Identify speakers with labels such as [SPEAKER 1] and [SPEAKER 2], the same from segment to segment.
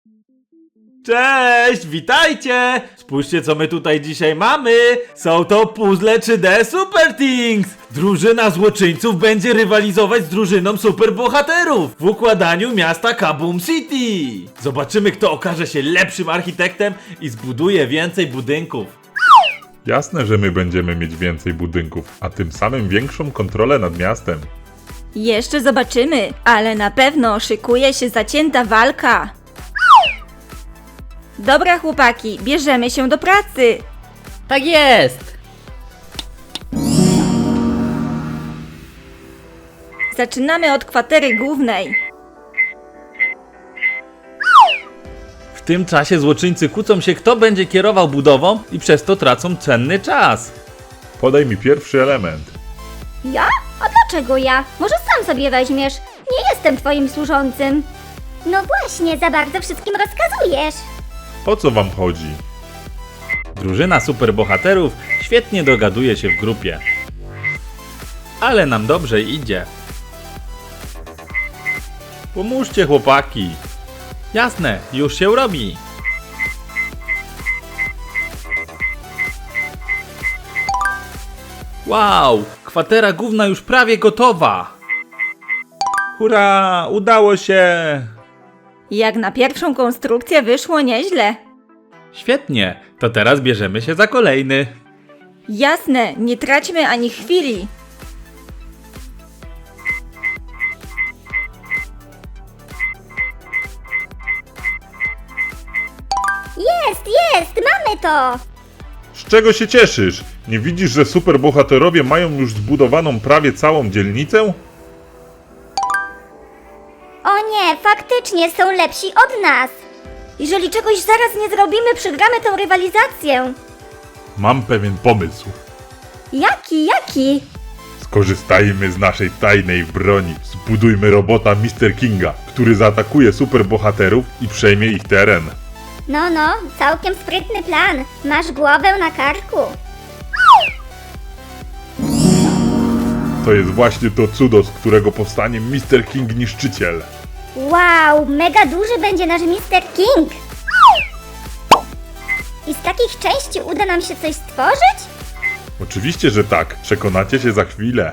[SPEAKER 1] Cześć, witajcie! Spójrzcie, co my tutaj dzisiaj mamy! Są to puzzle 3D Super Things! Drużyna złoczyńców będzie rywalizować z drużyną superbohaterów w układaniu miasta Kaboom City! Zobaczymy, kto okaże się lepszym architektem i zbuduje więcej budynków.
[SPEAKER 2] Jasne, że my będziemy mieć więcej budynków, a tym samym większą kontrolę nad miastem.
[SPEAKER 3] Jeszcze zobaczymy, ale na pewno szykuje się zacięta walka. Dobra chłopaki, bierzemy się do pracy.
[SPEAKER 4] Tak jest!
[SPEAKER 3] Zaczynamy od kwatery głównej.
[SPEAKER 1] W tym czasie złoczyńcy kłócą się, kto będzie kierował budową i przez to tracą cenny czas.
[SPEAKER 2] Podaj mi pierwszy element.
[SPEAKER 5] Ja? A dlaczego ja? Może sam sobie weźmiesz? Nie jestem twoim służącym. No właśnie, za bardzo wszystkim rozkazujesz.
[SPEAKER 2] O co wam chodzi?
[SPEAKER 1] Drużyna superbohaterów świetnie dogaduje się w grupie. Ale nam dobrze idzie. Pomóżcie, chłopaki. Jasne, już się robi. Wow, kwatera główna już prawie gotowa. Hurra, udało się.
[SPEAKER 3] Jak na pierwszą konstrukcję wyszło nieźle.
[SPEAKER 1] Świetnie, to teraz bierzemy się za kolejny.
[SPEAKER 3] Jasne, nie traćmy ani chwili.
[SPEAKER 5] Jest, mamy to!
[SPEAKER 2] Z czego się cieszysz? Nie widzisz, że superbohaterowie mają już zbudowaną prawie całą dzielnicę?
[SPEAKER 5] O nie, faktycznie są lepsi od nas.
[SPEAKER 3] Jeżeli czegoś zaraz nie zrobimy, przegramy tę rywalizację.
[SPEAKER 2] Mam pewien pomysł.
[SPEAKER 3] Jaki?
[SPEAKER 2] Skorzystajmy z naszej tajnej broni. Zbudujmy robota Mr. Kinga, który zaatakuje superbohaterów i przejmie ich teren.
[SPEAKER 5] No, całkiem sprytny plan. Masz głowę na karku.
[SPEAKER 2] To jest właśnie to cudo, z którego powstanie Mr. King Niszczyciel.
[SPEAKER 5] Wow, mega duży będzie nasz Mr. King. I z takich części uda nam się coś stworzyć?
[SPEAKER 2] Oczywiście, że tak. Przekonacie się za chwilę.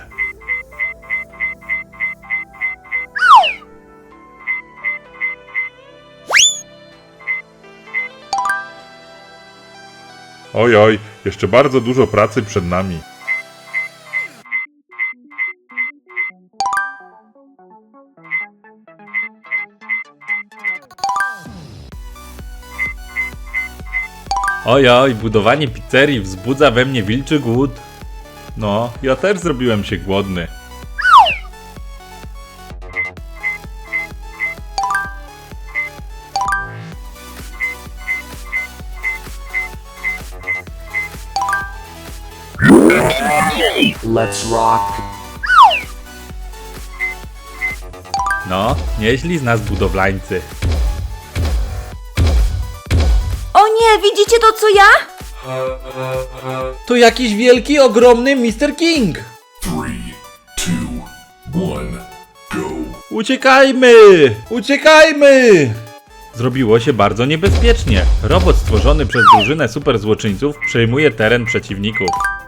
[SPEAKER 2] Oj, jeszcze bardzo dużo pracy przed nami.
[SPEAKER 1] Ojoj, budowanie pizzerii wzbudza we mnie wilczy głód. No, ja też zrobiłem się głodny.
[SPEAKER 6] Let's rock.
[SPEAKER 1] No, nieźli z nas budowlańcy.
[SPEAKER 3] O nie, widzicie to co ja?
[SPEAKER 1] To jakiś wielki, ogromny Mr. King!
[SPEAKER 6] 3, 2, 1, go.
[SPEAKER 1] Uciekajmy! Uciekajmy! Zrobiło się bardzo niebezpiecznie. Robot stworzony przez drużynę superzłoczyńców przejmuje teren przeciwników.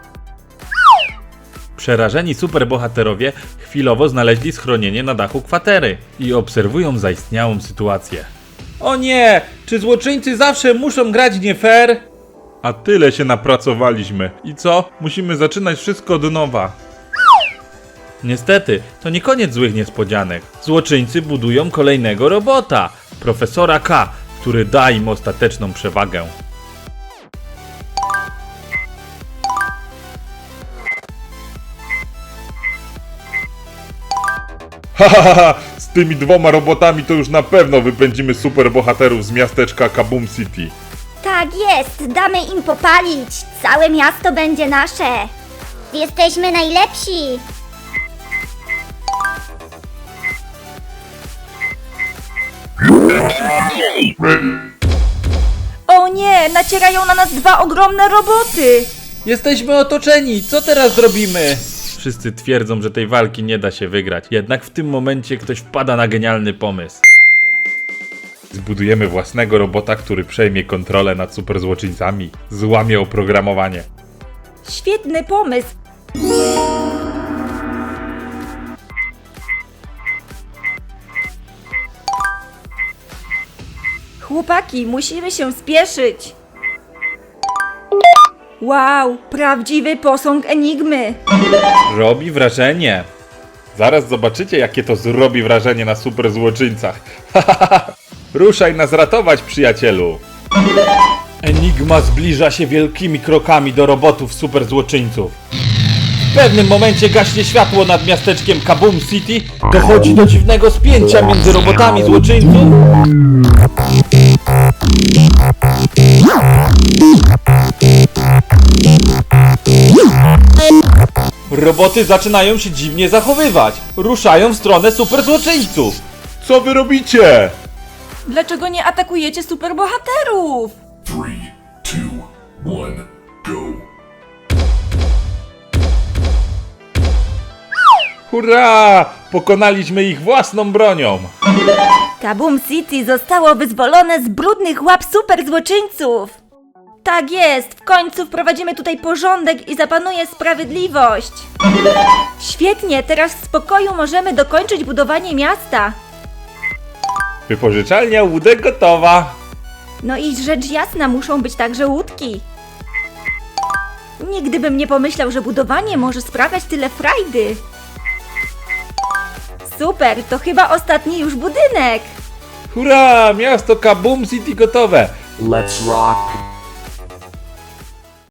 [SPEAKER 1] Przerażeni superbohaterowie chwilowo znaleźli schronienie na dachu kwatery i obserwują zaistniałą sytuację. O nie! Czy złoczyńcy zawsze muszą grać nie fair?
[SPEAKER 2] A tyle się napracowaliśmy. I co? Musimy zaczynać wszystko od nowa.
[SPEAKER 1] Niestety, to nie koniec złych niespodzianek. Złoczyńcy budują kolejnego robota, profesora K, który da im ostateczną przewagę.
[SPEAKER 2] Ha! Z tymi dwoma robotami to już na pewno wypędzimy superbohaterów z miasteczka Kaboom City.
[SPEAKER 5] Tak jest, damy im popalić. Całe miasto będzie nasze. Jesteśmy najlepsi.
[SPEAKER 3] O nie, nacierają na nas dwa ogromne roboty.
[SPEAKER 1] Jesteśmy otoczeni, co teraz zrobimy? Wszyscy twierdzą, że tej walki nie da się wygrać. Jednak w tym momencie ktoś wpada na genialny pomysł.
[SPEAKER 2] Zbudujemy własnego robota, który przejmie kontrolę nad superzłoczyńcami. Złamie oprogramowanie.
[SPEAKER 3] Świetny pomysł. Chłopaki, musimy się spieszyć. Wow, prawdziwy posąg Enigmy.
[SPEAKER 2] Robi wrażenie. Zaraz zobaczycie, jakie to zrobi wrażenie na superzłoczyńcach. Ruszaj nas ratować, przyjacielu.
[SPEAKER 1] Enigma zbliża się wielkimi krokami do robotów superzłoczyńców. W pewnym momencie gaśnie światło nad miasteczkiem Kaboom City. Dochodzi do dziwnego spięcia między robotami złoczyńców. Roboty zaczynają się dziwnie zachowywać. Ruszają w stronę superzłoczyńców.
[SPEAKER 2] Co wy robicie?
[SPEAKER 3] Dlaczego nie atakujecie superbohaterów?
[SPEAKER 6] 3, 2, 1, go.
[SPEAKER 2] Hurra! Pokonaliśmy ich własną bronią.
[SPEAKER 3] Kaboom City zostało wyzwolone z brudnych łap superzłoczyńców. Tak jest, w końcu wprowadzimy tutaj porządek i zapanuje sprawiedliwość. Świetnie, teraz w spokoju możemy dokończyć budowanie miasta.
[SPEAKER 2] Wypożyczalnia łódek gotowa.
[SPEAKER 3] No i rzecz jasna, muszą być także łódki. Nigdy bym nie pomyślał, że budowanie może sprawiać tyle frajdy. Super, to chyba ostatni już budynek.
[SPEAKER 2] Hurra! Miasto Kaboom City gotowe.
[SPEAKER 6] Let's rock.